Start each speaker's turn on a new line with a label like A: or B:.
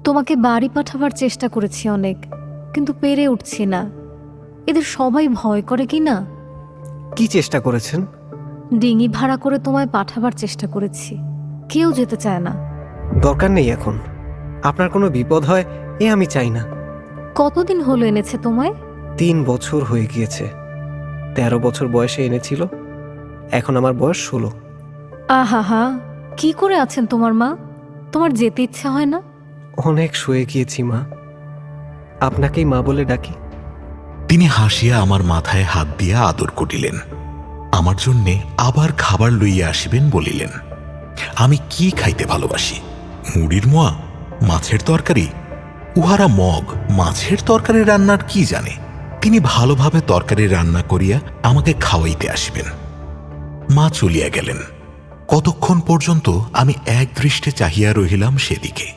A: তোমাকে বাড়ি পাঠাবার চেষ্টা করেছি অনেক, কিন্তু পেরে উঠছি না। এদের সবাই ভয় করে কি না?
B: কি চেষ্টা করেছেন?
A: ডিঙি ভাড়া করে তোমায় পাঠাবার চেষ্টা করেছি, কেউ যেতে চায় না।
B: দরকার নেই এখন। আপনার কোনো বিপদ হয় এ আমি চাই না।
A: কতদিন হলো এনেছে তোমায়?
B: 3 বছর হয়ে গিয়েছে। 13 বছর বয়সে এনেছিল, এখন আমার বয়স 16।
A: আহা, কি করে আছেন তোমার মা? তোমার যেতে ইচ্ছা হয় না?
B: অনেক শুয়ে গিয়েছি মা, আপনাকেই মা বলে ডাকি।
C: তিনি হাসিয়া আমার মাথায় হাত দিয়া আদর করিলেন। আমার জন্যে আবার খাবার লইয়া আসিবেন বলিলেন। আমি কি খাইতে ভালোবাসি? মুড়ির মোয়া, মাছের তরকারি? উহারা মগ মাছের তরকারি রান্নার কি জানে? তিনি ভালোভাবে তরকারি রান্না করিয়া আমাকে খাওয়াইতে আসিবেন। মা চলিয়া গেলেন। কতক্ষণ পর্যন্ত আমি এক দৃষ্টে চাহিয়া রহিলাম সেদিকে।